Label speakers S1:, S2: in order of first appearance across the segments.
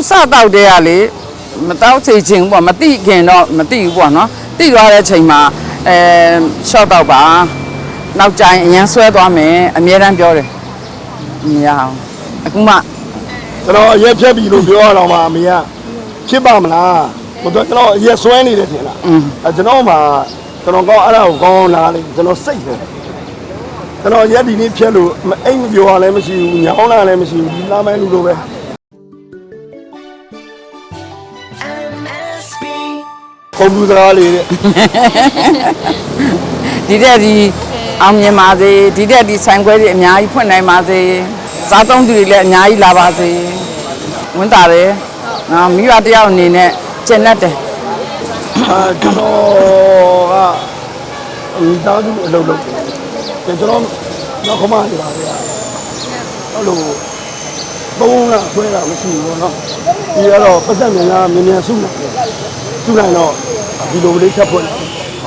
S1: စတော့တဲ့ကလေမတော့ချိန်ချင်းပေါ့မတိခင်တော့မတိဘူးပေါ့နော်တိသွားတဲ့ချိန်မှာရှော့တော့ပါနောက်ကျရင်အရန်ဆွဲသွားမယ်အမြဲတမ်းပြောတယ်မရအောင်အခုမှ
S2: ကျွန်တော်ရက်ဖြတ်ပြီလို့ပြောရတော့မှအမေကဖြစ်ပါမလားကျွန်တော်ရက်ဆွဲနေတယ်ထင်လားကျွန်တော်မှကျွန်တော်ကောင်းအဲ့ဒါကိုကောင်းလာလေကျွန်တော်စိတ်တယ်ကျွန်တော်ရက်ဒီနေ့ဖြတ်လို့အိမ်မပြောရလည်းမရှိဘူးညောင်းလာလည်းမရှိဘူးဒီလာမဲလူလိုပဲကွန်ပျူတာလေးတဲ့
S1: ဒီတဲ့ဒီအောင်မြင်ပါစေဒီတဲ့ဒီဆိုင်ခွဲတွေအများကြီးဖွင့်နိုင်ပါစေစားသုံးသူတွေလည်းအများကြီးလာပါစေဝန်တာတယ်နော်မိဘတယောက်အနေနဲ့ကျင့်တတ်တယ်
S2: ကျွန်တော်ကမိသားစုအလုပ်လုပ်တယ်ကျွန်တော်နောက်ခမနေပါလေအဲ့လိုဘုံကဆွဲတာမရှိဘူးเนาะဒီကတော့ပတ်သက်မြန်မြန်စုနိုင်တယ်စုနိုင်တော့ဒီလိုလေးချက်ဖွင့်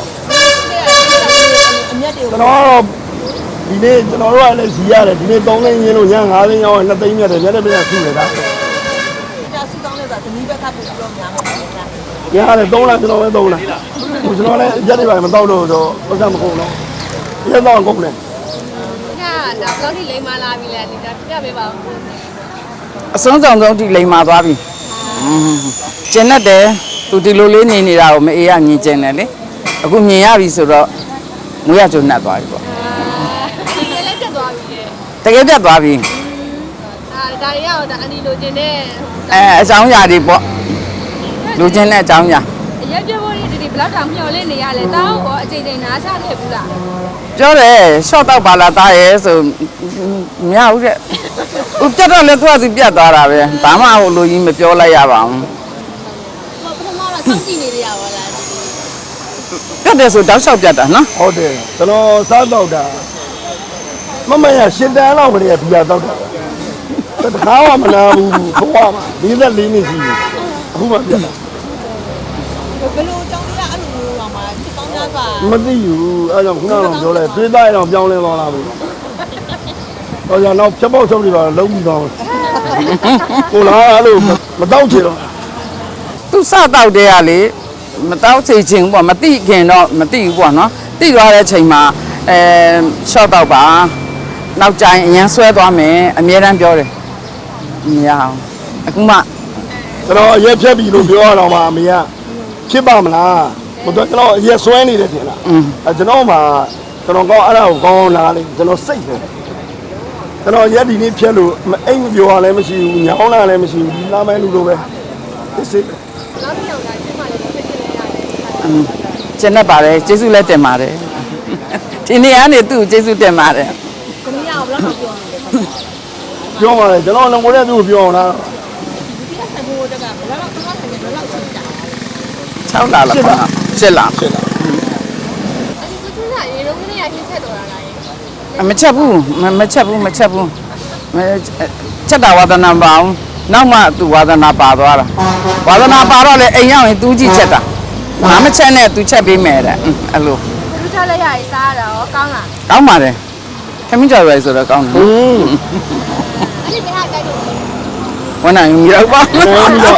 S2: ကျွန်တော်ဒီနေ့ကျွန်တော်တို့ကလည်းဇီရတယ်ဒီနေ့3သိန်းရင်းလို့ည5သိန်းရောက်2သိန်းမြတ်တယ်မြတ်တဲ့ပြန်စုနေတာ
S3: ဒါစုတောင်းလဲဆိုတာသမီးဘက်ကပို့ပြီးတော့များမှာ
S2: ညရတယ်3လကျွန်တော်ပဲ3လကျွန်တော်လည်းရက်တွေပါမတော့လို့တော့ပတ်သက်မကုန်တော့ရက်တော့ကုန်တယ်
S3: ဒါဘလောက်ထိလိမ္မာလာပြီလဲဒါပြပေးပါဦး
S1: အစွန်းဆောင်ဆုံးထိလိမ်မာသွားပြီကျင့်တတ်တယ်သူဒီလိုလေးနေနေတာကိုမအေးရမြင်ကျင်တယ်လေအခုမြင်ရပြီဆိုတော့မွေးရကျုံနှက်သွားပြီပေါ့
S3: ဒီလည်းတက်သွားပြီလေ
S1: တကယ်တက်သွားပြီ
S3: ဒါရီကတော့ဒါအန်ဒီလိုချင်တဲ့အ
S1: ကြောင်းအရာတွေပေါ့လူချင်းတဲ့အကြောင်းအရာ
S3: အရက်ပြဖို့ဒီဘလောက်တောင်မျောလင့်နေရလဲတောင်းရောအချိန်ချင်းနားချခဲ့ဘူးလား
S1: ပြောတယ်ရှော့တော့ပါလာသားရဲဆိုမရဘူးတဲ့ဥပြတ်တော့လည်းသူကသူပြတ်သွားတာပဲဘာမှဟိုလူကြီးမပြောလိုက်ရပါဘူး
S3: ပထမတော့စောင့်ကြည့်နေရပါလား
S1: ပြတ်တယ်ဆိုတောက်လျှောက်ပြတ်တာနော်
S2: ဟုတ်တယ်ကျွန်တော်စားတော့တာမရရှင်တန်းလောက်မရဘီယာတော့တာတခါမှမနာဘူးဘဝမှာ44နှစ်ရှိပြီအခုမှပြတ်တာ
S3: ဘယ်လိုကြောင်းရအဲ့လိုမျိုးတော့မှာစစ်ကောင်းသားပါ
S2: မသိဘူးအဲ့ကြောင့်ခုနကတော့ပြောလိုက်တွေးသားရအောင်ပြောင်းလဲသွားလာပြီဟောကြောင့်တော့ဖြတ်ပေါက်ဆုံးနေပါလုံးပြီးသွားကိုလာအဲ့လိုမတော့ချင်တော့
S1: သူစတော့တဲ့ကလေမတော့ချိန်ချင်းပေါ့မတိခင်တော့မတိဘူးပေါ့နော်တိသွားတဲ့ချိန်မှာရှော့တော့ပါနောက်ကျရင်အရန်ဆွဲသွားမယ်အမြဲတမ်းပြောတယ်မရအောင်အခုမှ
S2: ကျွန်တော်ရက်ဖြတ်ပြီလို့ပြောရတော့မှအမေဖြစ်ပါမလားကျွန်တော်ရက်ဆွဲနေတယ်ထင်လားကျွန်တော်မှကျွန်တော်ကောင်းအဲ့ဒါကိုကောင်းလာလေကျွန်တော်စိတ်တယ်ကျွန်တော်ရက်ဒီနေ့ဖြတ်လို့အိမ်မပြောရလည်းမရှိဘူးညောင်းလာလည်းမရှိဘူးဒီလာမဲလူလိုပဲစိတ်
S3: နောက်တစ်ယောက်ကကျမလေးဖြစ်နေရတယ်
S1: ကျန်တတ်ပါတယ်ကျေးဇူးလည်းတင်ပါတယ်ဒီနေ့ကနေသူ့ကျေးဇူးတင်ပါတယ်
S3: သမီးကဘယ်လောက်ပြောနေလဲ
S2: ပြောပါလေကျွန်တော်လည်းကိုယ်တည်းသူ့ကိုပြောအောင်လား
S3: ဒီကဆက်ဖို့တက်ကဘယ်လောက်တော့ဆက်နေဘယ်လောက်ဆက်ကြ
S1: 6လလားပါ7လ
S3: အဲ့ဒီသူကရေလုံးကနေရချင်းဆက်တော်လာလား
S1: မချက်ဘူးမချက်ဘူးချက်တာဝါသနာပါအောင်နောက်မှသူဝါသနာပါသွားတာဝါသနာပါတော့လေအိမ်ရောက်ရင်သူကြည့်ချက်တာငါမချက်နဲ့သူချက်ပေးမယ်တဲ့အဲ့လို
S3: သူချက်လိုက်ရည်စားရတော့ကောင်းလား
S1: ကောင်းပါတယ်ခမင်းကြော်ရွယ်ဆိုတော့ကောင်းတယ်
S3: အဲ့ဒီဘယ်ဟာကြိုက်လို့
S1: ဝန်နိုင်မရောက်ပါဘူး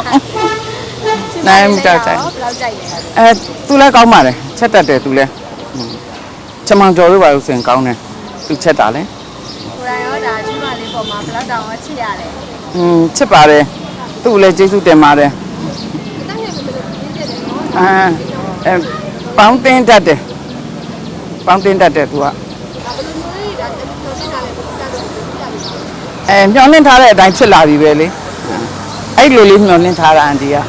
S1: နိုင်မကြိုက်
S3: ဘယ်လောက်ကြိုက်လဲ
S1: သူလည်းကောင်းပါတယ်ချက်တတ်တယ်သူလည်းချမောင်ကြော်လို့ပါလို့ဆိုရင်ကောင်းတယ်သူချက်တာလေ
S3: ကိုယ်တိုင်ရောဒါကျမလေးပေါ်မှာဘယ်လောက်တောင်ချစ်ရတယ်
S1: ချစ်ပါတယ်သူ့လည်းကျေးဇူးတင်ပါတယ်ပေါင်းတင်တတ်တယ်သူကမျောလင့်ထားတဲ့အတိုင်းဖြစ်လာပြီပဲလေအဲ့လိုလေးမျောလင့်ထားတာအန်တီက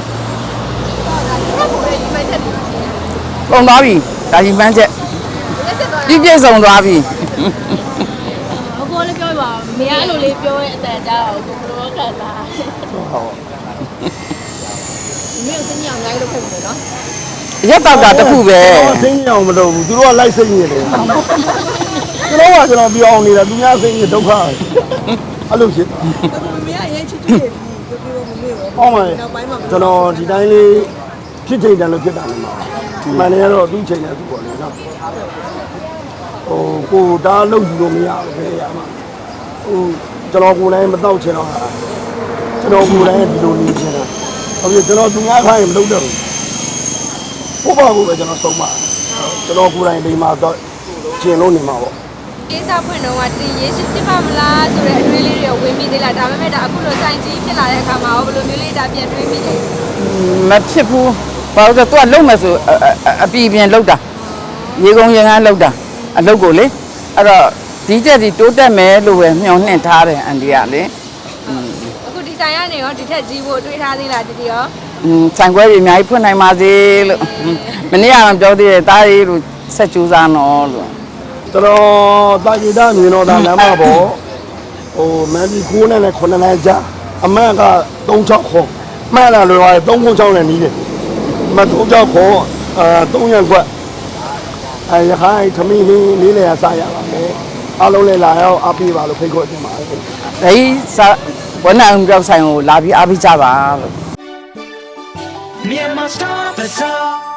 S1: ပုံသွားပြီဒါကြီးပန်းချက်ပြည့်စုံသွားပြီ
S3: ကိုလည်းပြောပါမရလို့လေးပြောရဲ့အတန်ကြားတော့ကိုလိုခက်တာ
S2: ဟုတ်
S3: မင်းစင်းအောင်လိုက်လို့ဖြစ်မယ်နော်
S1: ရက်တော့တာတခုပဲ
S2: စင်းအောင်မလုပ်ဘူးသူတို့ကလိုက်စိတ်နေတယ်ကျွန်တော်ပြောအောင်နေတာသူများစိတ်နေဒုက္ခအဲ့လိုဖြစ်
S3: မင်းအရင်ချစ်တယ်ပြောမမေ့ရော
S2: ဟုတ်ပါရဲ့ကျွန်တော်ဒီတိုင်းလေးဖြစ်ချိန်တန်လို့ဖြစ်တာလည်းမဟုတ်မှန်တယ်တော့သူ့ချိန်နဲ့သူ့ပေါ့လေနော်ကိုဒါလုံယူလို့မရဘူးပဲရမှာကျွန်တော်ကိုယ်လည်းမတော့ချင်တော့ကျွန်တော်ကိုယ်တိုင်ဒီလိုနေချင်တာဟုတ်ပြီကျွန်တော်သူများခိုင်းမလုပ်တော့ဘူးဘုရားကိုပဲကျွန်တော်ဆုံးမကျွန်တော်ကိုယ်တိုင်ဒီမှာတော့ကျင်လို့နေမှာပေါ့
S3: ကိစ္စဖွင့်တော့ကတင်ရေးရှိဖြစ်ပါမလားဆိုတဲ့အတွေးလေးတွေဝင်ပြီးသေးလားဒါပေမဲ့ဒါအခုလိုစိုင်းကြီးဖြစ်လာတဲ့အခါမှာရောဘယ်လိုမျိုးလေးဒါပြန်တွေးမိလဲ
S1: မဖြစ်ဘူးဘာလို့လဲသူကလုံမယ်ဆိုအပြည့်ပြင်လုံတာရေကုန်ရင်ကန်းလုံတာအလုပ်ကိုလေအဲ့တော့ဒီချက်ဒီတိုးတက်မယ်လို့ပဲမျှော်နှင့်ထားတယ်အန်ဒီကလေ
S3: အခုဒီဆိုင်ကနေရောဒီထက်ကြီးဖို့တွေးထားသေးလားဒီရော
S1: ဆိုင်ခွဲတွေအများကြီးဖွင့်နိုင်ပါစေလို့မနေ့ကပြောသေးတယ်တားရေးလို့ဆက်ကြိုးစားနော်လို့
S2: ကျွန်တော်တာဂီတာမြင်တော့တာလမ်းမပေါ်ဟိုမန်ဒီ9နဲ့9နဲ့ကြာအမှန်က36ခေါ်မှန်လားလို့ရတယ်396နဲ့နီးတယ်မ36ခေါ်3ရက်ကွက်ရခိုင်သမီးလေးလေစားရပါမယ်အားလုံးလည်းလာရောက်အားပေးပါလို့ဖိတ်ခေါ်တင်ပါတယ်
S1: ဒီဝနအောင်ပြောက်ဆိုင်ကိုလာပြီးအားပေးကြပါလို့
S4: Myanmar Star Bazaar